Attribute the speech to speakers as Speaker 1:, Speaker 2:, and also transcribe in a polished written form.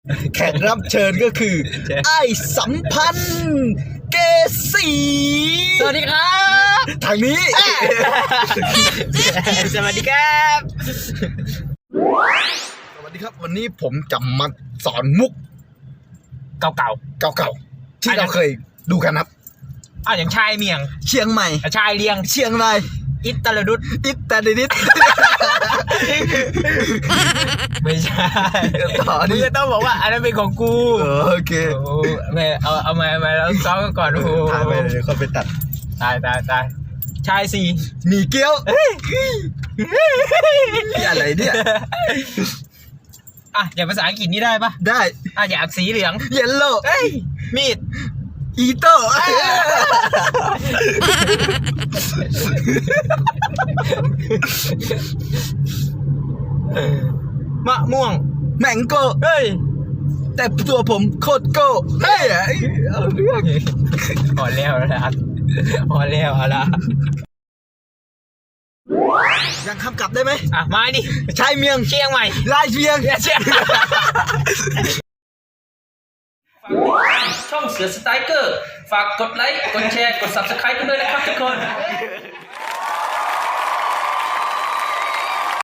Speaker 1: แขกรับเชิญก็คือไอ้สัมพันธ์เกษี
Speaker 2: สวัสดีครับ
Speaker 1: ทางนี้
Speaker 2: สวัสดีครับ
Speaker 1: สวัสดีครับวันนี้ผมจะมาสอนมุก
Speaker 2: เก่า
Speaker 1: เก่าๆที่เราเคยดูกันครับ
Speaker 2: ๆอย่างชายเมียง
Speaker 1: เชียงใหม่
Speaker 2: ชายเลียง
Speaker 1: เชียงราย
Speaker 2: อิตาลดุด
Speaker 1: อิตาลีนิด
Speaker 2: ไม่ใช่
Speaker 1: ต่อ
Speaker 2: มึ
Speaker 1: นี่
Speaker 2: งก็ต้องบอกว่าอันนั้นเป็นของกู
Speaker 1: โอเค
Speaker 2: โอ้ไม่เอามาแล้วซ้อมกันก่อนโอ้โห
Speaker 1: ถ่ายไปเดี๋ยวเขาไปตัด
Speaker 2: ตายชายสี่
Speaker 1: หมี่เกี๊ยวนี่อะไรเนี่ย
Speaker 2: อย่างภาษาอังกฤษนี่ได้ปะ
Speaker 1: ได้
Speaker 2: อย่างสีเหลือง
Speaker 1: เยลโล่
Speaker 2: มีด
Speaker 1: อีโต้
Speaker 2: มะม่วง
Speaker 1: แมงโก้
Speaker 2: เฮ้ย
Speaker 1: แต่ตัวผมโคตรโก้เฮ้ยเอาเรื่อง
Speaker 2: พอแล้วนะพอแล้วเอาละ
Speaker 1: ยังคำกลับได้ไหม
Speaker 2: มาดิ
Speaker 1: ชายเมียง
Speaker 2: เชียงใหม่
Speaker 1: ลายเชียง
Speaker 3: ช่องเสือสไตรเกอร์ ฝากกดไลค์ กดแชร์ กด Subscribe กันด้วยนะครับทุกคน